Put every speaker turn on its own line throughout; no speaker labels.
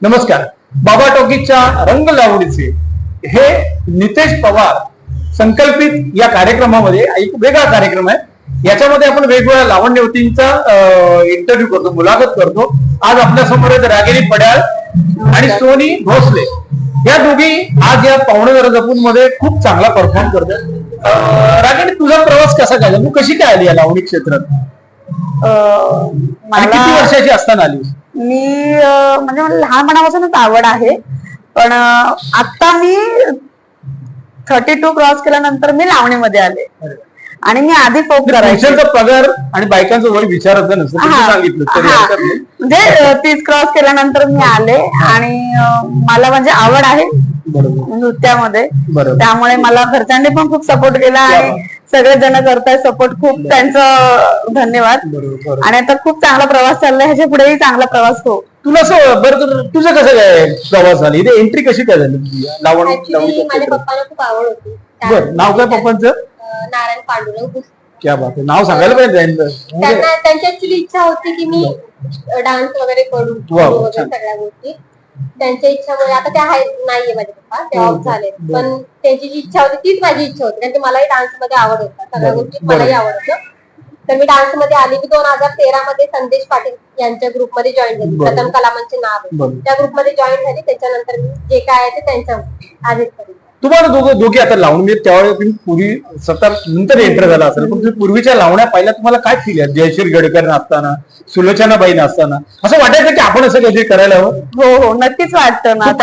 नमस्कार. बाबा टॉकीजच्या रंग लावणीचे हे नितेश पवार संकल्पित या कार्यक्रमामध्ये एक वेगळा कार्यक्रम आहे. याच्यामध्ये आपण वेगवेगळ्या लावण्यवतींचा इंटरव्ह्यू करतो, मुलाखत करतो. आज आपल्या समोर आहेत रागिनी पड्याळ आणि सोनी भोसले. या दोघी आज या पावणेदार जपून मध्ये खूप चांगला परफॉर्म करतात. रागिनी, तुझा प्रवास कसा काय, तू कशी काय आली या लावणी क्षेत्रात आणि किती वर्षाची असताना आली?
मी म्हणजे मला लहानपणापासूनच आवड आहे, पण आता मी 32 क्रॉस केल्यानंतर मी लावणीमध्ये आले आणि मी आधी फोक करायचे.
पगार आणि बायकांचं वय विचारायचं नसतं, सांगितलं तरी हरकत नाही.
म्हणजे 30 क्रॉस केल्यानंतर मी आले आणि मला म्हणजे आवड आहे नृत्यामध्ये, त्यामुळे मला घरच्यांनी पण खूप सपोर्ट केला आणि सगळे जण करताय सपोर्ट. खूप त्यांचं धन्यवाद. आणि आता खूप चांगला प्रवास चाललाय, ह्याच्या पुढेही चांगला प्रवास हो.
तुला असं बरं, तुझं कसं काय प्रवास झाला, इथे एंट्री कशी काय झाली लावण?
माझ्या पप्पाला खूप आवड होती.
बरं, नाव काय पप्पांचं?
नारायण पांडुरंग.
क्या बात आहे, नाव सांगायला पाहिजे.
त्यांची ऍक्च्युली इच्छा होती की मी डान्स वगैरे करू, सगळ्या गोष्टी त्यांच्या इच्छामुळे. आता त्या नाहीये माझे पप्पा, ते ऑफ झाले, पण त्यांची जी इच्छा होती तीच माझी इच्छा होती. कारण की मलाही डान्स मध्ये आवड होता, सगळ्या गोष्टी मलाही आवड होतं. तर मी डान्स मध्ये आली. मी 2013 मध्ये संदेश पाटील यांच्या ग्रुपमध्ये जॉईन झाली. प्रथम कलामांचे नाव आहे, त्या ग्रुपमध्ये जॉईन झाली. त्याच्यानंतर मी जे काय आहे ते त्यांच्या आधीच करी.
तुम्हाला दोघे आता लावणी त्यावेळेस तुम्ही पूर्वी स्वतः नंतर एंटर झाला असेल, पण तुम्ही पूर्वीच्या लावण्या पाहिल्या, तुम्हाला काय फील आहे? जयश्री गडकर असताना, सुलोचनाबाई असताना असं वाटायचं की आपण असं काहीतरी करायला हवं?
हो हो, नक्कीच वाटतं ना.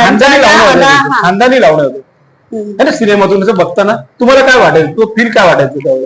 खानदानी लावणं होतं सिनेमातून असं बघताना. तुम्हाला काय वाटायचं, तो फील काय वाटायचं त्यावेळेस?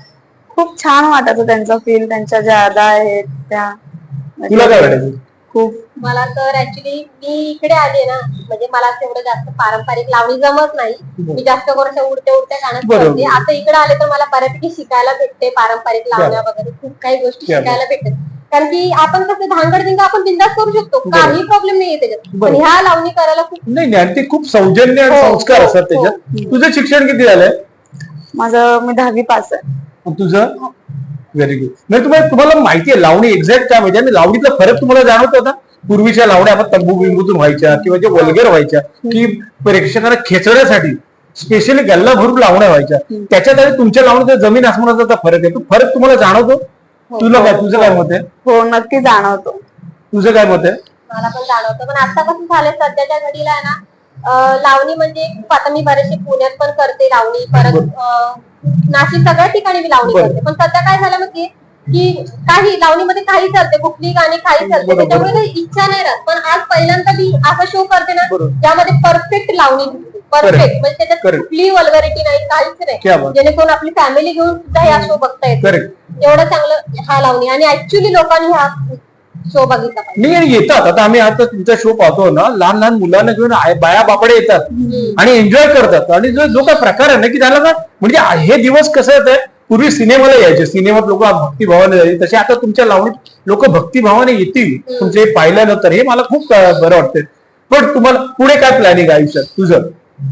खूप छान वाटायचं त्यांचा फील, त्यांच्या ज्या अदा आहेत त्या.
तुला काय वाटायचं?
खूप.
मला तर ऍक्च्युली मी इकडे आले ना, म्हणजे मला एवढं जास्त पारंपरिक लावणी जमत नाही. मी जास्त करून उडत्या गाणं करते. आता इकडे आले तर मला बऱ्यापैकी शिकायला भेटते, पारंपरिक लावण्या वगैरे खूप काही गोष्टी शिकायला भेटतात. कारण की आपण कसं धांगडधिंगा आपण बिंदास करू शकतो, काही प्रॉब्लेम नाहीये त्याच्यात. पण ह्या लावणी करायला खूप
नाही, ते खूप सौजन्य आणि संस्कार असतात त्याच्यात. तुझं शिक्षण किती झालंय?
माझं मी 10वी पास आहे.
तुझं? Very good. नाही, तुम्हाला माहिती आहे लावणी एक्झॅक्ट काय माहिती आहे? लावणीतला फरक तुम्हाला जाणवत होता? पूर्वीच्या लावण्या आपण तंबू बिंबूतून व्हायच्या किंवा जे वल्गर व्हायच्या की प्रेक्षकांना खेचण्यासाठी स्पेशली गल्ला भरून लावण्या व्हायच्या, त्याच्यात आणि तुमच्या लावण्यात जमीन आसमानाचा फरक आहे. तो फरक तुम्हाला जाणवतो? तुला काय, तुझं काय मत आहे?
हो, नक्की जाणवतो.
तुझं काय मत आहे?
मला पण जाणवतं, पण आता कसं झालंय सध्याच्या घडीला आहे ना, लावणी म्हणजे आता मी बरेचसे पुण्यात पण करते लावणी, परत नाशिक, सगळ्या ठिकाणी मी लावणी करते. पण सध्या काय झालं माहितीये की काही लावणीमध्ये काही चालते, कुठली गाणी काही चालते, त्याच्यामुळे काही इच्छा नाही राहत. पण आज पहिल्यांदा मी असा शो करते ना ज्यामध्ये परफेक्ट लावणी, परफेक्ट म्हणजे त्याच्यात कुठली वल्गरिटी नाही, काहीच नाही, जेणेकरून आपली फॅमिली घेऊन सुद्धा हा शो बघता येतो. एवढं चांगलं हा लावणी. आणि ऍक्च्युली लोकांनी हा शो बघितला पाहिजे.
नाही, येतात. आता आम्ही आता तुमचा शो पाहतो ना, लहान लहान मुलांना घेऊन बाया बापडे येतात आणि एन्जॉय करतात. आणि जो काय प्रकार आहे ना की त्याला ना, म्हणजे हे दिवस कसं येत आहे, पूर्वी सिनेमाला यायचे, सिनेमात लोक भक्तिभावाने जायचे, तसे आता तुमच्या लावणीत लोक भक्तिभावाने येतील तुमचे पाहिल्यानंतर. हे मला खूप बरं वाटतंय. पण तुम्हाला पुढे काय प्लॅनिंग आयुष्यात तुझं?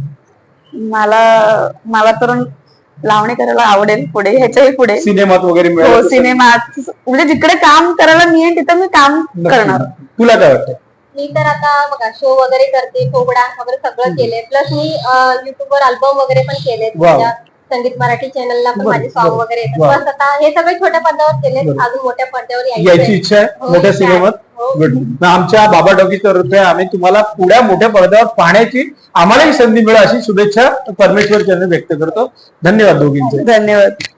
मला तर लावणी करायला आवडेल पुढे, ह्याच्याही पुढे
सिनेमात वगैरे.
हो, सिनेमात म्हणजे जिकडे काम करायला मिळेल तिथं मी काम करणार.
तुला काय वाटतं?
मी तर आता बघा शो वगैरे करते, फोक डान्स वगैरे सगळं केलंय. प्लस मी युट्यूबवर अल्बम वगैरे पण केले, संगीत मराठी चॅनलला पण माझे सॉंग वगैरे येतात. बस आता हे सगळे छोट्या पडद्यावर केले, अजून मोठ्या पडद्यावर
यायची इच्छा आहे, मोठ्या सिनेमात. आमच्या बाबा टॉकीजच्या तर्फे आम्ही तुम्हाला पुढ्या मोठ्या पडद्यावर पाहण्याची आम्हालाही संधी मिळेल अशी शुभेच्छा परमेश्वर चरणी व्यक्त करतो. धन्यवाद दोघींचे.
धन्यवाद.